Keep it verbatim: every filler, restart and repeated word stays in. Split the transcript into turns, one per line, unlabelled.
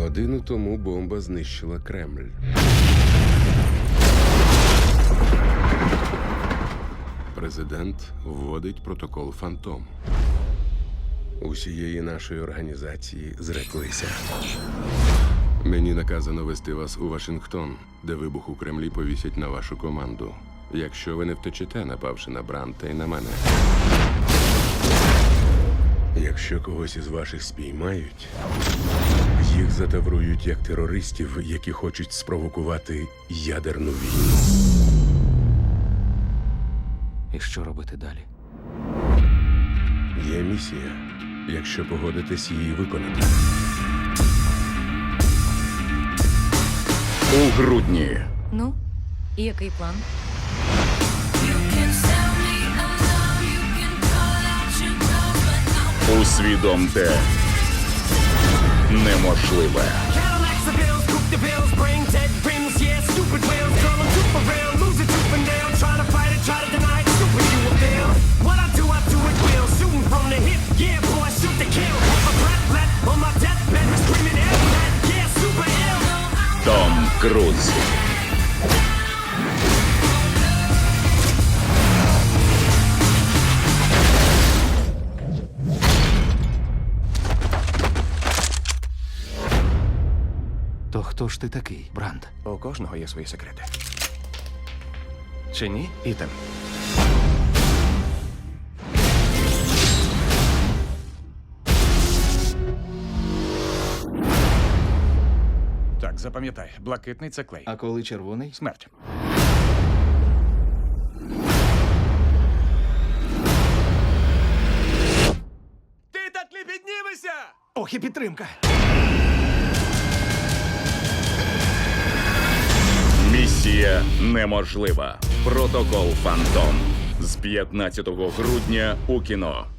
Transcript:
Годину тому бомба знищила Кремль. Президент вводить протокол «Фантом». Усієї нашої організації зреклися. Мені наказано вести вас у Вашингтон, де вибух у Кремлі повісять на вашу команду. Якщо ви не втечете, напавши на Бранта і на мене. Якщо когось із ваших спіймають, їх затаврують як терористів, які хочуть спровокувати ядерну війну.
І що робити далі?
Є місія, якщо погодитесь її виконати.
У грудні.
Ну, і який план?
Усвідомте неможливе. Том Круз.
То хто ж ти такий, Бранд?
У кожного є свої секрети. Чи ні, Ітан? Так, запам'ятай, блакитний це клей.
А коли червоний?
Смерть. Ти так не піднімешся! Ох, і підтримка!
Місія неможлива. Протокол «Фантом» з п'ятнадцятого грудня у кіно.